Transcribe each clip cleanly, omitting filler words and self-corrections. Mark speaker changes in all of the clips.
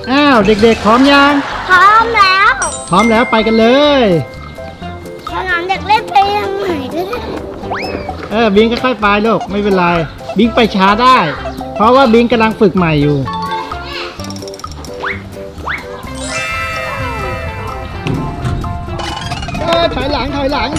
Speaker 1: อ้าวเด็กๆพร้อมยัง
Speaker 2: พร้อมแล้ว
Speaker 1: พร้อมแล้วไปกันเลย
Speaker 2: สนามเด็กเล่นไปยังไหนก็ได้
Speaker 1: บิงค่อยๆไปลูกไม่เป็นไรบิงไปช้าได้ เพราะว่าบิงกำลังฝึกใหม่อยู่ถอยหลัง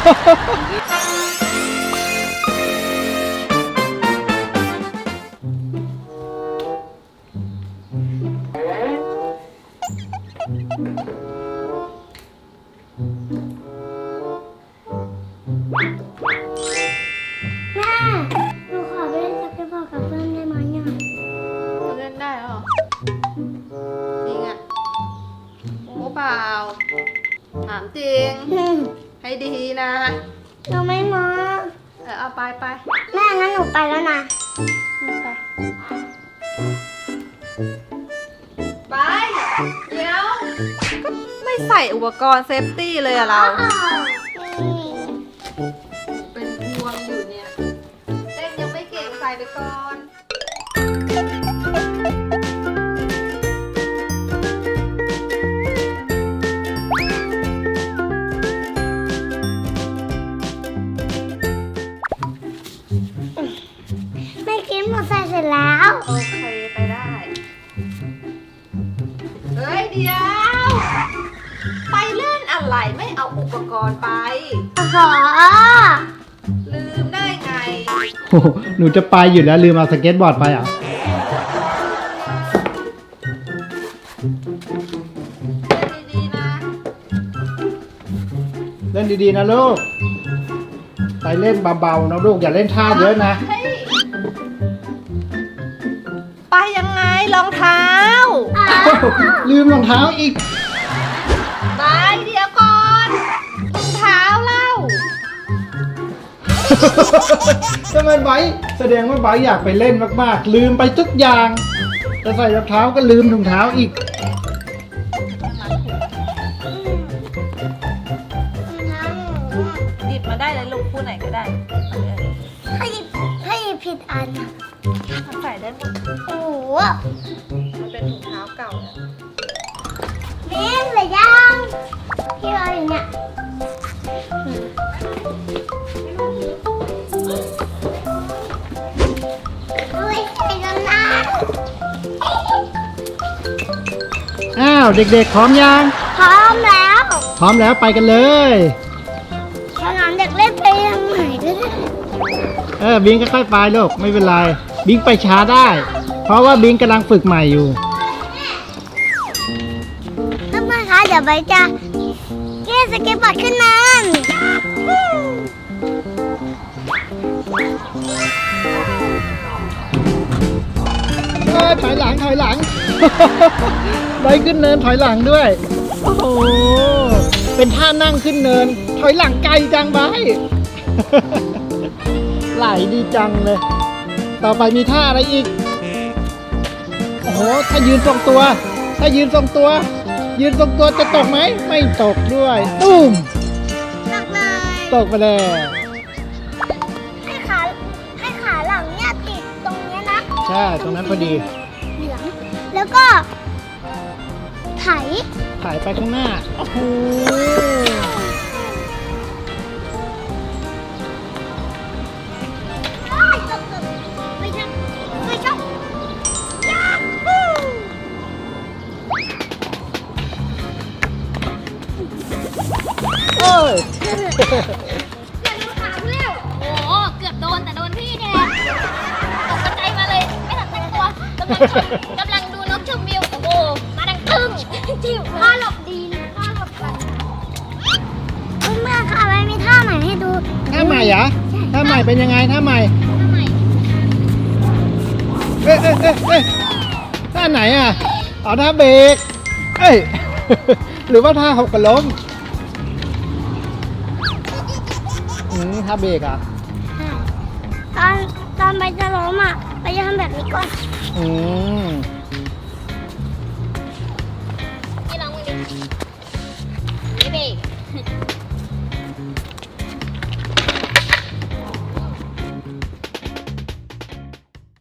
Speaker 2: แม่หนูขอไปเล่นสเก็ตบอร์ดกับเพื่อนได้ไหมเนี่ย
Speaker 3: เล่นได้เหรอจริงอ่ะโอ้เปล่าถามจริงให้ดีนะ
Speaker 2: หนูไม่มา
Speaker 3: เอาไป
Speaker 2: แม่งั้นหนูไปแล้วนะ
Speaker 3: ไปเดี๋ยวก็ไม่ใส่อุปกรณ์เซฟตี้เลยอะเราเป็นห่วงอยู่เนี่ยเต้นยังไม่เก่งใส่ไปก่อน
Speaker 2: ไม่กินหนูใส่เสร็จแล้ว
Speaker 3: โอเคไปได้เฮ้ยเดี๋ยวไปเล่นอะไรไม่เอาอุปกรณ์ไป
Speaker 2: ขอ
Speaker 3: ลืมได้ไง
Speaker 1: โอ้หนูจะไปอยู่แล้วลืมเอาสเก็ตบอร์ดไปอ่ะเล่นดีๆนะลูกไปเล่นเบาๆนะลูกอย่าเล่นท่าเยอะนะ
Speaker 3: ไปยังไงรองเท้า
Speaker 1: ลืมรองเท้าอีก
Speaker 3: ไปเดี๋ยวก่อนรองเท้าเล่า
Speaker 1: ทำไมไบร์ทแสดงว่าไบร์ทอยากไปเล่นมากๆลืมไปทุกอย่างจะใส่รองเท้าก็ลืมถุงเท้าอีก
Speaker 3: หยิบมาได้เลยลูกคู่ไหนก็ได้
Speaker 2: ให้ผิดอัน
Speaker 3: ใส่ได้หมด
Speaker 2: โอ้โห
Speaker 3: มันเป็นถุงเท้าเก่าแล้ว
Speaker 2: นี่เหลือยังที่เราอยู่เนี่ย
Speaker 1: อ้าวเด็กๆพร้อมยัง
Speaker 2: พร้อมแล้ว
Speaker 1: พร้อมแล้วไปกันเลย
Speaker 2: สนามเด็กเล่นไปยังไหนก็ได้
Speaker 1: บิงค่อยๆไปลูกไม่เป็นไรบิงไปช้าได้ เพราะว่าบิงกำลังฝึกใหม่อยู่
Speaker 2: เพื่อนๆคะเดี๋ยวใบจะเล่นสเก็ตบอร์ดขึ้นมา
Speaker 1: ถอยหลังไปขึ้นเนินถอยหลังด้วยโอ้โหเป็นท่านั่งขึ้นเนินถอยหลังไกลจังไปไหลดีจังเลยต่อไปมีท่าอะไรอีกโอ้โหถ้ายืนทรงตัวยืนทรงตัวจะตกไหมไม่ตกด้วยตุ้มตกไปแล้ว
Speaker 2: ให้ขาหลังเนี่ยติดตรงนี้นะ
Speaker 1: ใช่ตรงนั้นพอดี
Speaker 2: เหลืองแล้วก็ไถ
Speaker 1: ไปข้างหน้าโอ้โห
Speaker 2: เกือบโดนขาเร็วโอ้เกือบโดนแต่โดนพี่เนี่ยตกใจมาเลยไม่ทันตั้งตัวกำลังดูนกชมวิวโอ้โหมาดังตึ้งจิ้วท่าหลบดีนะท่าหลบกันเมื่อค่ะไม่มีท่าใหม่ให้ดู
Speaker 1: ท่าใหม่เหรอท่าใหม่เป็นยังไงท่าใหม่ท่าไหนอ่ะอ๋อท่าเบรกหรือว่าท่าหกกระล้มท่าเบรกอ่ะ
Speaker 2: ตอนไปจะล้มอ่ะไปจะทำแบบนี้ก่อนนี่ลองมือดินี่เบรก